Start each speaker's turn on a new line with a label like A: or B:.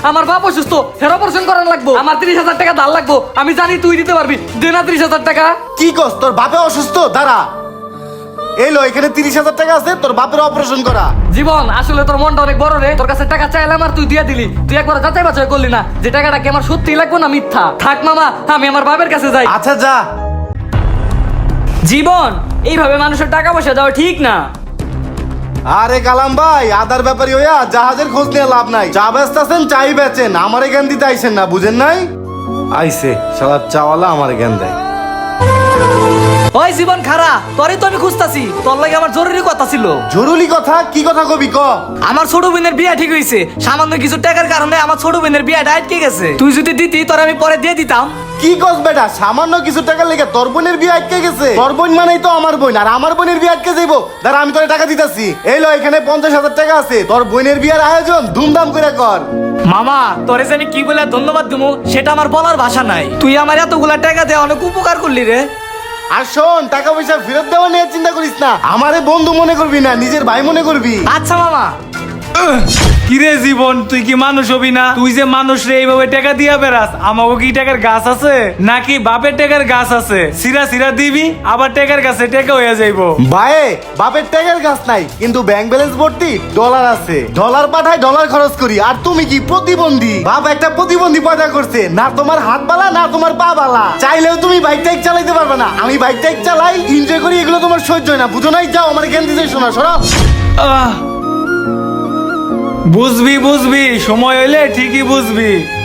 A: আমার বাপ অসুস্থ, হের অপারেশন করার লাগবো, আমার 30,000 টাকা ধার লাগবো। আমি জানি তুই দিতে পারবি, দে না 30,000 টাকা।
B: কি কস, তোর বাপে অসুস্থ? দাঁড়া, এই লো এখানে 30,000 টাকা আছে, তোর বাপের অপারেশন করা।
A: জীবন, আসলে তোর মনটা অনেক বড় রে। তোর কাছে টাকা চাইলাম আর তুই দিয়ে দিলি। তুই একবার যাচাই বাছাই করলি না যে টাকাটা কি আমার সত্যি লাগবে না মিথ্যা। থাক মামা, আমি আমার বাপের কাছে যাই।
B: আচ্ছা যা।
C: জীবন, এইভাবে মানুষের টাকা পয়সা দেওয়া ঠিক না।
B: আরে কালাম ভাই, আদার ব্যাপারী হইয়া জাহাজের খোঁজ নিয়ে লাভ নাই। চা বেচতেছেন, চাই বেচেন, আমার জ্ঞান দিতে আইসেন না, বুঝেন নাই? আইসে শালার চাওয়ালা আমার জ্ঞান দেয়।
A: ওই জীবন খারা, তোরই তো আমি খুঁজতাছি। তোর লাগে আমার জরুরি কথা ছিল।
B: জরুরি কথা? কি কথা কবি ক?
A: আমার ছোট বোনের বিয়ে ঠিক হয়েছে। সামান্য কিছু টাকার কারণে আমার ছোট বোনের বিয়েটা আটকে গেছে। তুই যদি দিতি, তোর আমি পরে দিয়ে দিতাম।
B: কি কস বেটা, সামান্য কিছু টাকার লেগে তোর বোনের বিয়ে আটকে গেছে? তোর বোন মানেই তো আমার বোন, আর আমার বোনের বিয়ে আটকে যাইবো? দাঁড়া, আমি তোর টাকা দিতেছি। এই লো, এখানে 50,000 টাকা আছে, তোর বোনের বিয়ের আয়োজন ধুমধাম করে কর।
A: মামা, তোরে জানি কি বলে ধন্যবাদ দিমু সেটা আমার বলার ভাষা নাই। তুই আমার এতগুলা টাকা দিয়ে অনেক উপকার করলি রে।
B: আর শোন, টাকা পয়সা ফেরত দেওয়া নিয়ে চিন্তা করিস না, আমারে বন্ধু মনে করবি না, নিজের ভাই মনে করবি।
A: আচ্ছা মামা।
D: কিরে জীবন, তুই কি মানুষ হবি না? তুই যে মানুষ রে এইভাবে টাকা দিয়া বেড়াস, আমাকে কি টাকার গাছ আছে নাকি বাপের টাকার গাছ আছে? সিরা সিরা দিবি, আবার টাকার গাছে টাকা হয়ে যাইবো।
B: ভাই, বাপের টাকার গাছ নাই, কিন্তু ব্যাংক ব্যালেন্স ভর্তি ডলার আছে। ডলার পাঠায়, ডলার খরচ করি। আর তুমি কি প্রতিবন্ধী? বাপ একটা প্রতিবন্ধী পয়দা করছে, না তোমার হাত বালা না তোমার পা বালা। চাইলেও তুমি বাইক টাইক চালাইতে পারবে না। আমি বাইক টাইক চালাই, এনজয় করি, এগুলো তোমার সহ্য হয় না, বুঝো নাই? যাও, আমার জ্ঞান দিতে শোনা, সরো।
D: বুঝবি বুঝবি, সময় হইলে ঠিকই বুঝবি।